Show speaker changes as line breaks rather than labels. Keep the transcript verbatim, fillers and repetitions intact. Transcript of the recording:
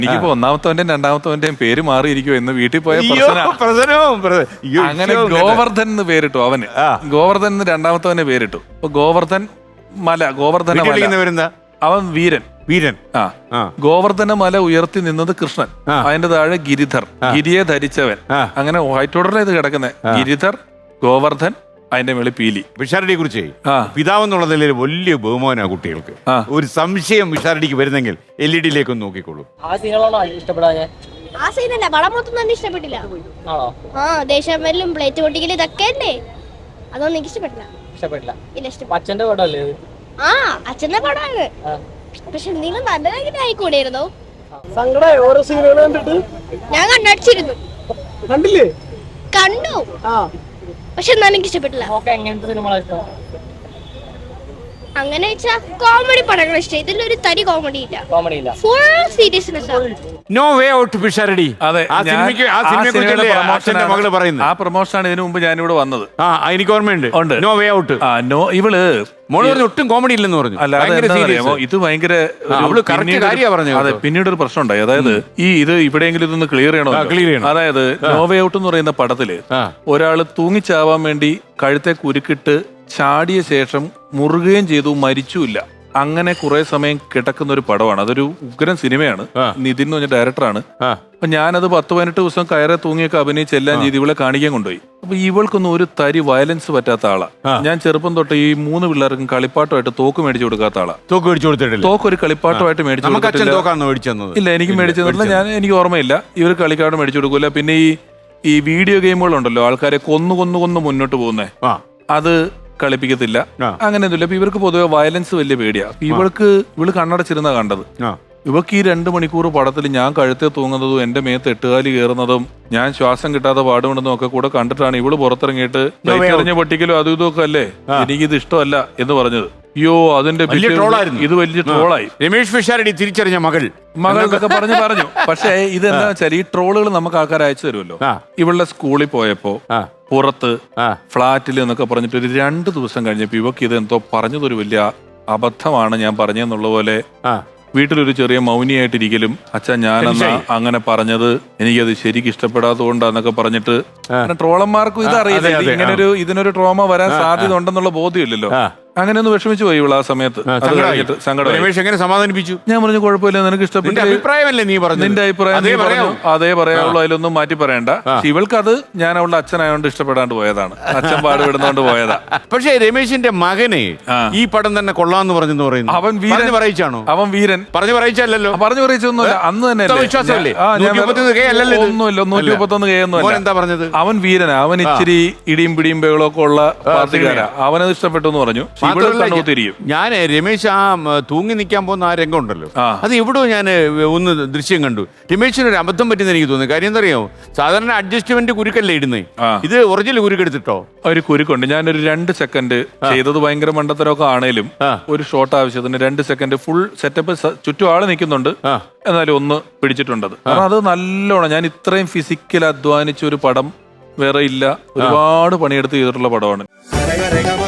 എനിക്കിപ്പോ ഒന്നാമത്തവന്റെയും രണ്ടാമത്തവന്റെയും പേര് മാറിയിരിക്കുവോ എന്ന് വീട്ടിൽ പോയ അങ്ങനെ ഗോവർദ്ധൻ എന്ന് പേരിട്ടു അവന്. ഗോവർദ്ധൻ എന്ന് രണ്ടാമത്തവന് പേരിട്ടു. അപ്പൊ ഗോവർദ്ധൻ മല, ഗോവർദ്ധന മല, അവൻ വീരൻ.
വീരൻ
ആ ഗോവർദ്ധന മല ഉയർത്തി നിന്നത് കൃഷ്ണൻ. അതിന്റെ താഴെ ഗിരിധർ, ഗിരിയെ ധരിച്ചവൻ. അങ്ങനെ വൈറ്റ് ഓർഡറിൽ ഇത് കിടക്കുന്നത്. ഗിരിധർ, ഗോവർദ്ധൻ, അതിന്റെ മേളിൽ പീലി.
വിഷാരടിയെ കുറിച്ച് പിതാവ് എന്നുള്ള നിലയിൽ വലിയ ബഹുമാനാ കുട്ടികൾക്ക്. ഒരു സംശയം വിഷാരടിക്ക് വരുന്നെങ്കിൽ എൽ ഇ ഡിയിലേക്ക് ഒന്ന് നോക്കിക്കോളൂ.
ആ സീനുകളാണോ ഇഷ്ടപ്പെടാഞ്ഞേ?
ആ സീനല്ല, വളമൊന്നും തന്നെ ഇഷ്ടപ്പെട്ടില്ല. ആ ദേശമെല്ലും പ്ലേറ്റ് പൊട്ടിക്കല് ഇതൊക്കെ അല്ലേ, അതൊന്നും എനിക്ക് ഇഷ്ടപ്പെട്ടില്ല.
ഇഷ്ടപ്പെട്ടില്ല?
ഇല്ല, ഇഷ്ടപ്പെട്ടു.
അച്ഛന്റെ പടമല്ലേ?
ആ അച്ഛന്റെ പടമാണ്. പക്ഷെ എന്തെങ്കിലും നല്ലതായിട്ട് ആയിക്കൂടായിരുന്നോ?
സങ്കടമായി ഓരോ സീനുകൾ കണ്ടിട്ട്.
ഞാൻ കണ്ണടിച്ചിരുന്നു.
കണ്ടില്ലേ?
കണ്ടു, പക്ഷെ എന്നാലും എനിക്ക് ഇഷ്ടപ്പെട്ടില്ല.
എങ്ങനത്തെ സിനിമകളാണ് ഇഷ്ടം?
അങ്ങനെ വെച്ചാ കോമഡി പടങ്ങൾ ഇഷ്ടം. ഇതിലൊരു തരി കോമഡി ഇല്ല,
കോമഡി ഇല്ല,
full seriousness.
No way out Pisharody.
അതെ,
ആ സിനിമയ്ക്ക് ആ സിനിമയെ അച്ഛന്റെ മകള് പറയുന്നത്.
ആ പ്രൊമോഷനാണ് ഇതിനു മുമ്പ് ഞാനിവിടെ വന്നത്.
ആ എനിക്ക് ഓർമ്മയുണ്ട്. No way out.
ആ നോ, ഇവള്
മോള് പറഞ്ഞു ഒട്ടും കോമഡി ഇല്ലെന്ന് പറഞ്ഞു.
അല്ലാതെ ഇത് ഭയങ്കര അതെ. പിന്നീട് ഒരു പ്രശ്നം ഉണ്ടായി. അതായത് ഈ ഇത് ഇവിടെയെങ്കിലും ഇതൊന്ന് ക്ലിയർ ചെയ്യണോ? അതായത് നോ വേ ഔട്ട് എന്ന് പറയുന്ന പടത്തില് ഒരാള് തൂങ്ങിച്ചാവാൻ വേണ്ടി കഴുത്തെ കുരുക്കിട്ട് ചാടിയ ശേഷം മുറുകയും ചെയ്തു, മരിച്ചുമില്ല. അങ്ങനെ കുറെ സമയം കിടക്കുന്ന ഒരു പടമാണ്. അതൊരു ഉഗ്രൻ സിനിമയാണ്. നിതിൻ എന്ന് പറഞ്ഞ ഡയറക്ടറാണ്. അപ്പൊ ഞാനത് പത്ത് പതിനെട്ട് ദിവസം കയറെ തൂങ്ങിയൊക്കെ അഭിനയിച്ച് എല്ലാം ചെയ്ത് ഇവളെ കാണിക്കാൻ കൊണ്ടുപോയി. അപ്പൊ ഇവൾക്കൊന്നും ഒരു തരി വയലൻസ് പറ്റാത്ത ആളാ. ഞാൻ ചെറുപ്പം തൊട്ട് ഈ മൂന്ന് പിള്ളേർക്കും കളിപ്പാട്ടമായിട്ട് തോക്ക് മേടിച്ചു കൊടുക്കാത്ത ആളാ.
തോക്ക് മേടിച്ചു കൊടുത്തിട്ടില്ല?
തോക്ക് ഒരു കളിപ്പാട്ടമായിട്ട് മേടിച്ചു കൊടുത്തിട്ടില്ല. ഇല്ല, എനിക്ക് മേടിച്ചു തന്നില്ല. ഞാൻ എനിക്ക് ഓർമ്മയില്ല. ഇവർ കളിക്കാട് മേടിച്ചു കൊടുക്കൂല. പിന്നെ ഈ ഈ വീഡിയോ ഗെയിമുകളുണ്ടല്ലോ, ആൾക്കാരെ കൊന്നു കൊന്നു കൊന്നു മുന്നോട്ട് പോകുന്നേ, അത് കളിപ്പിക്കത്തില്ല. അങ്ങനെയൊന്നുമില്ല. അപ്പൊ ഇവർക്ക് പൊതുവെ വയലൻസ് വലിയ പേടിയാ. ഇവൾക്ക് ഇവള് കണ്ണടച്ചിരുന്ന കണ്ടത്. ഇവക്ക് ഈ രണ്ട് മണിക്കൂർ പടത്തിൽ ഞാൻ കഴുത്തെ തൂങ്ങുന്നതും എന്റെ മേത്ത് എട്ടുകാലി കയറുന്നതും ഞാൻ ശ്വാസം കിട്ടാതെ പാടുപെടുന്നതും ഒക്കെ കൂടെ കണ്ടിട്ടാണ് ഇവള് പുറത്തിറങ്ങിയിട്ട് എറിഞ്ഞ പൊട്ടിക്കലോ അതും ഇതൊക്കെ അല്ലേ, എനിക്കിത് ഇഷ്ടമല്ല എന്ന് പറഞ്ഞത്. അയ്യോ, അതിന്റെ ഇത് വലിയ ട്രോളായി.
രമേഷ് പിഷാരടി തിരിച്ചറിഞ്ഞ മകൾ
മകൾ എന്നൊക്കെ പറഞ്ഞു പറഞ്ഞു. പക്ഷേ ഇതെന്താ വെച്ചാൽ ഈ ട്രോളുകൾ നമുക്ക് ആൾക്കാർ അയച്ചു തരുമല്ലോ. ഇവളുടെ സ്കൂളിൽ പോയപ്പോ പുറത്ത് ഫ്ലാറ്റിൽ എന്നൊക്കെ പറഞ്ഞിട്ട് ഒരു രണ്ടു ദിവസം കഴിഞ്ഞപ്പോ ഇവക്ക് ഇത് എന്തോ പറഞ്ഞതൊരു വലിയ അബദ്ധമാണ് ഞാൻ പറഞ്ഞെന്നുള്ള പോലെ വീട്ടിലൊരു ചെറിയ മൗനിയായിട്ടിരിക്കലും, അച്ഛൻ ഞാനെന്നാ അങ്ങനെ പറഞ്ഞത്, എനിക്കത് ശരിക്കും ഇഷ്ടപ്പെടാത്തതുകൊണ്ടാന്നൊക്കെ പറഞ്ഞിട്ട് ട്രോളന്മാർക്കും ഇത് അറിയില്ല. ഇങ്ങനൊരു ഇതിനൊരു ട്രോമ വരാൻ സാധ്യത ഉണ്ടെന്നുള്ള ബോധ്യമില്ലല്ലോ. അങ്ങനെ ഒന്ന് വിഷമിച്ചു പോയി ഇവള് ആ സമയത്ത്.
എങ്ങനെ സമാധാനിപ്പിച്ചു?
ഞാൻ പറഞ്ഞു കുഴപ്പമില്ല, നിനക്ക് ഇഷ്ടപ്പെട്ട
അഭിപ്രായമല്ലേ നീ പറഞ്ഞു,
നിന്റെ അഭിപ്രായം അതേ പറയാവുള്ളൂ, അതിലൊന്നും മാറ്റി പറയണ്ട. ഇവൾക്ക് അത് ഞാൻ അവളുടെ അച്ഛനായോണ്ട് ഇഷ്ടപ്പെടാണ്ട് പോയതാണ്, അച്ഛൻ പാടുപെടുന്നോണ്ട് പോയതാ.
പക്ഷേ രമേശിന്റെ മകനെ ഈ പടം തന്നെ കൊള്ളാന്ന് പറഞ്ഞെന്ന് പറയുന്നു.
അവൻ വീരൻ പറയിച്ചാണോ? അവൻ വീരൻ പറഞ്ഞു പറയിച്ചല്ലോ. പറഞ്ഞു പറയിച്ചൊന്നുമില്ല, അന്ന് തന്നെ ഒന്നുമില്ല. നൂറ്റി മുപ്പത്തൊന്ന് കെ ഒന്നും
എന്താ പറഞ്ഞത്?
അവൻ വീരനാ, അവൻ ഇച്ചിരി ഇടിയും പിടിയും ബഹളമൊക്കെ ഉള്ള പാർട്ടിക്കാരാ. അവനത് ഇഷ്ടപ്പെട്ടു എന്ന് പറഞ്ഞു.
ഞാൻ രമേശ് ആ തൂങ്ങി നിൽക്കാൻ പോകുന്ന ആ രംഗം ഉണ്ടല്ലോ, അത് എവിടെയോ ഞാൻ ഒന്ന് ദൃശ്യം കണ്ടു. രമേശിന് ഒരു അബദ്ധം പറ്റുന്ന എനിക്ക് തോന്നുന്നു. കാര്യം എന്താ അറിയാമോ, സാധാരണ അഡ്ജസ്റ്റ്മെന്റ് കുരുക്കല്ലേ ഇടുന്നേ, ഇത് ഒറിജിനൽ കുരുക്കെടുത്തിട്ടോ? ഒരു
കുരുക്കുണ്ട്. ഞാനൊരു രണ്ട് സെക്കൻഡ് ചെയ്തത് ഭയങ്കര മണ്ടത്തരമൊക്കെ ആണേലും ഒരു ഷോട്ട് ആവശ്യത്തിന് രണ്ട് സെക്കൻഡ് ഫുൾ സെറ്റപ്പ്, ചുറ്റും ആള് നിൽക്കുന്നുണ്ട്, എന്നാലും ഒന്ന് പിടിച്ചിട്ടുണ്ടത്. കാരണം അത് നല്ലോണം ഞാൻ ഇത്രയും ഫിസിക്കൽ അധ്വാനിച്ച ഒരു പടം വേറെ ഇല്ല. ഒരുപാട് പണിയെടുത്ത് ചെയ്തിട്ടുള്ള പടമാണ്.